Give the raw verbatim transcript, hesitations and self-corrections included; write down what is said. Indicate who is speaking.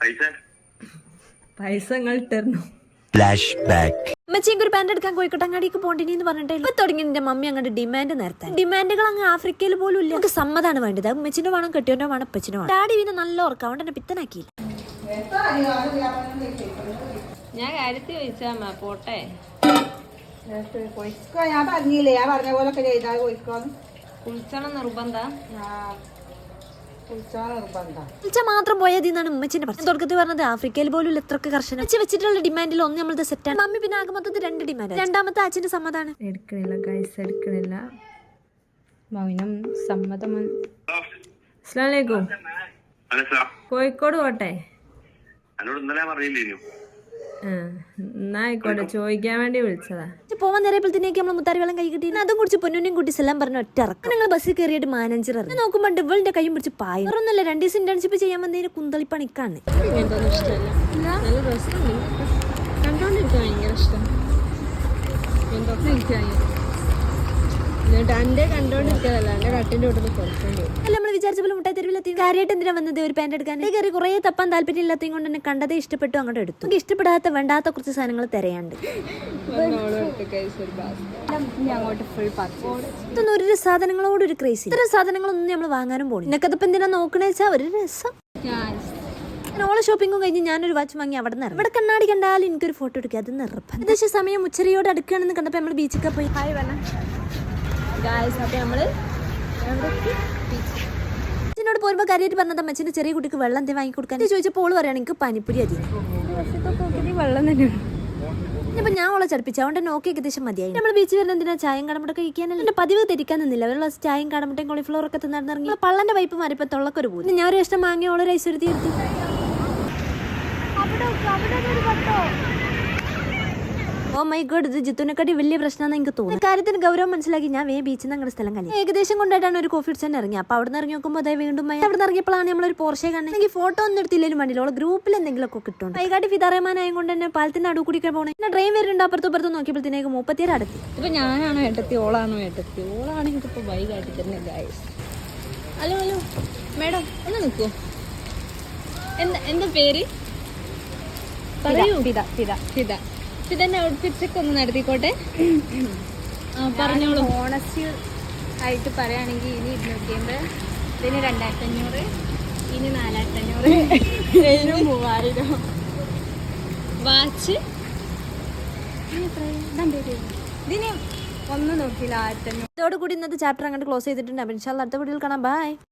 Speaker 1: പൈസ നിങ്ങൾ ഇട്ടിരുന്നു.
Speaker 2: അമ്മച്ചിക്ക് ഒരു പാന്റ് എടുക്കാൻ കോഴിക്കോട്ടങ്ങാടിക്ക് പോണ്ടിനി പറഞ്ഞിട്ട് ഇപ്പൊ തുടങ്ങി എന്റെ മമ്മി അങ്ങോട്ട് ഡിമാൻഡ് നേരത്തെ ഡിമാൻഡുകൾ അങ്ങ് ആഫ്രിക്കയിൽ പോലും ഇല്ല. നമുക്ക് സമ്മതാണ് വേണ്ടത്. അമ്മച്ചിന്റെ വേണം കെട്ടിയോന്റെ വേണം അപ്പച്ചിന്റെ വേണം. ഡാഡി പിന്നെ നല്ല ഓർക്കാം അതുകൊണ്ട് എന്നെ പിത്തനാക്കിയില്ല.
Speaker 1: ഞാൻ കാര്യത്തിൽ ചോദിച്ചാ പോട്ടെ.
Speaker 3: ഞാൻ പറഞ്ഞില്ലേ, ഞാൻ പറഞ്ഞ പോലൊക്കെ ചെയ്താൽ കോഴിക്കോന്ന്
Speaker 1: കുളിച്ചണം നിർബന്ധ.
Speaker 2: വിളിച്ചാൽ മാത്രം പോയത് എന്നാണ് ഉമ്മച്ചിന്റെ പ്രശ്നം. തുടക്കത്തിൽ പറഞ്ഞത് ആഫ്രിക്കയിൽ പോലും എത്രയൊക്കെ കർശനം വെച്ച് വെച്ചിട്ടുള്ള ഡിമാൻഡിൽ ഒന്ന് നമ്മളത് സെറ്റാണ്. മമ്മി പിന്നെ ആകെ മൊത്തത്തിൽ രണ്ട് ഡിമാൻഡ്. രണ്ടാമത്തെ അച്ഛന്റെ സമ്മതാണ്.
Speaker 1: എടുക്കണില്ല ഗൈസ്, എടുക്കണില്ല. മൗനം സമ്മതമാണ്. അസ്സലാമലൈക്കും. കോഴിക്കോട് പോട്ടെ. എന്നാ ആയിക്കോട്ടെ, ചോദിക്കാൻ വേണ്ടി വിളിച്ചതാ.
Speaker 2: പോവാൻ നേരപ്പോഴത്തേക്ക് നമ്മൾ മുത്താരി വെള്ളം കൈ കിട്ടി. അതും കുടിച്ച് പൊന്നുനെയും കുട്ടി എല്ലാം പറഞ്ഞ ഒറ്റ ഇറക്കും. ഞങ്ങൾ ബസ്സിൽ കയറിയിട്ട് മാനേജർ ഇറങ്ങി നോക്കുമ്പോൾ ഇവളുടെ കൈയും പിടിച്ച് പായ. ഒന്നല്ല രണ്ട് ദിവസം ഇന്റേൺഷിപ്പ് ചെയ്യാൻ വന്നതിന് കുന്തളിപ്പണിക്കാണ്.
Speaker 1: ഇഷ്ടമല്ല, നല്ല രസമുണ്ട് കണ്ടോണ്ടിരിക്കാൻ, ഭയങ്കര ഇഷ്ടം. എന്തൊക്കെ എനിക്ക് എന്റെ കണ്ടോണ്ടിരിക്കാതല്ല, എന്റെ കട്ടിന്റെ കൂട്ടത്തിൽ കുറച്ചുണ്ട്.
Speaker 2: അല്ല നമ്മൾ വിചാരിച്ച പോലെ മുട്ടായി തെരുവിലെത്തി. കാര്യമായിട്ട് എന്തിനാ വന്നത് ഒരു പാന്റ് എടുക്കാൻ. കയറി കുറെ തപ്പാൻ താല്പര്യം ഇല്ലാത്തതും കൊണ്ട് തന്നെ കണ്ടതേ ഇഷ്ടപ്പെട്ടു അങ്ങോട്ട് എടുത്തു. നമുക്ക് ഇഷ്ടപ്പെടാത്ത വേണ്ടാത്ത കുറച്ച് സാധനങ്ങൾ തിരയാണ്ട്. ഇതൊന്നും ഒരു സാധനങ്ങളോട് ഒരു ക്രേസി. ഇത്തരം സാധനങ്ങളൊന്നും നമ്മൾ വാങ്ങാനും പോകണം. നിനക്കതിപ്പോ എന്തിനാ നോക്കണേ വെച്ചാൽ ഒരു രസം. ഓളെ ഷോപ്പിംഗും കഴിഞ്ഞ് ഞാനൊരു വാച്ച് വാങ്ങി അവിടെ നിന്ന് ഇവിടെ കണ്ണാടി കണ്ടാലും എനിക്കൊരു ഫോട്ടോ എടുക്കുക. അത് നിർബന്ധം. ഏകദേശം സമയം ഉച്ചരയോട് അടുക്കുകയാണെന്ന് കണ്ടപ്പോൾ നമ്മൾ ബീച്ചിൽ പോയി. ഹായ് വേണം
Speaker 1: അപ്പൊ നമ്മള്
Speaker 2: അച്ഛനോട് പോരുമ്പോ കാര്യമായിട്ട് പറഞ്ഞത് അമ്മച്ചിന്റെ ചെറിയ കുട്ടിക്ക് വെള്ളം എന്തെങ്കിലും വാങ്ങി കൊടുക്കാൻ ചോദിച്ചപ്പോൾ ഓള് പറയാണ് എനിക്ക് പനിപ്പൊരി അതി
Speaker 1: വെള്ളം തന്നെയാണ്.
Speaker 2: ഇപ്പൊ ഞാൻ ഓളെ ചടിപ്പിച്ചു. അതുകൊണ്ട് നോക്കി ഏകദേശം മതിയായി. നമ്മൾ ബീച്ചിൽ വരുന്ന എന്തിനാ ചായയും കടമുട്ടൊക്കെ കഴിക്കാനല്ല. എന്റെ പതിവ് തെറ്റിക്കാൻ നിന്നില്ല. ഒരു ഗ്ലാസ് ചായയും കടമുട്ടയും കോളിഫ്ലവർ ഒക്കെ തിന്നിറങ്ങി പള്ളന്റെ പൈപ്പ് മാറിയപ്പോ തൊള്ളക്കൊരു പോകും. ഞാൻ ഒരു ഇഷ്ടം വാങ്ങി ഓളെ ഐശ്വര്യത്തി എടുത്തു. ഓ മൈ ഗോഡ്, ഇത് ജിത്തുനെക്കാട്ടി വലിയ പ്രശ്നമാണെന്ന് എനിക്ക് തോന്നുന്നു. കാര്യത്തിന് ഗൗരവം മനസ്സിലാക്കി ഞാൻ വേ ബീച്ചിൽ നിന്ന് അങ്ങനെ സ്ഥലം കഴിഞ്ഞു. ഏകദേശം കൊണ്ടായിട്ടാണ് ഒരു കോഫി അടിച്ചാൽ ഇറങ്ങി. അപ്പൊ അവിടെ നിന്ന് ഇറങ്ങി നോക്കുമ്പോൾ അതേ വീണ്ടും അവിടെ നിന്ന് ഇറങ്ങിയപ്പോഴാണ് നമ്മളൊരു പോർഷെ കാണുന്നത്. എനിക്ക് ഫോട്ടോ ഒന്നും എടുത്തില്ലേലും വേണ്ടില്ല. ഓളെ ഗ്രൂപ്പിൽ എന്തെങ്കിലും ഒക്കെ കിട്ടും. വൈകാട്ടി ഫിദാറഹ്മാനായത് കൊണ്ട് തന്നെ പാലത്തിന്റെ അടു കൂടിക്കാൻ പോകണം. പിന്നെ ട്രെയിൻ വരുന്നുണ്ട്. അപ്പുറത്തും ഇപ്പുറത്തും നോക്കിയപ്പോഴത്തേക്ക് മുപ്പത്തിയേഴ് അടുത്ത്.
Speaker 1: ഇപ്പൊ ഞാനാണോ ഏട്ടത്തി ഓളാണോ ഏട്ടത്തി? ഓളാണെങ്കിൽ ഇപ്പൊ ബൈ കാട്ടി തന്നെ ഗൈസ്. ഹലോ ഹലോ മേഡം ഒന്ന് നിൽക്കൂ. എന്താ എന്താ പേര് പറയൂ. ഫിദ ഫിദ ഫിദ ഫിദന്റെ ഔട്ട്ഫിറ്റ്സ് ഒക്കെ ഒന്ന് നടത്തിക്കോട്ടെ. പറഞ്ഞോളൂ.
Speaker 4: ഓണസ്റ്റ് ആയിട്ട് പറയുകയാണെങ്കിൽ ഇനി ഇരുന്നൂറ്റി അമ്പത്, ഇതിന് രണ്ടായിരത്തി അഞ്ഞൂറ്, ഇനി നാലായിരത്തി അഞ്ഞൂറ്, ഇതിന് മൂവായിരം.
Speaker 1: വാച്ച്
Speaker 4: ഇതിന് ഒന്നും നോക്കിയില്ല, ആയിരത്തി അഞ്ഞൂറ്.
Speaker 2: ഇതോടുകൂടി ഇന്നത്തെ ചാപ്റ്റർ അങ്ങോട്ട് ക്ലോസ് ചെയ്തിട്ടുണ്ട്. ഇൻഷാല്ലാ അടുത്ത വീഡിയോയിൽ കാണാം. ബൈ.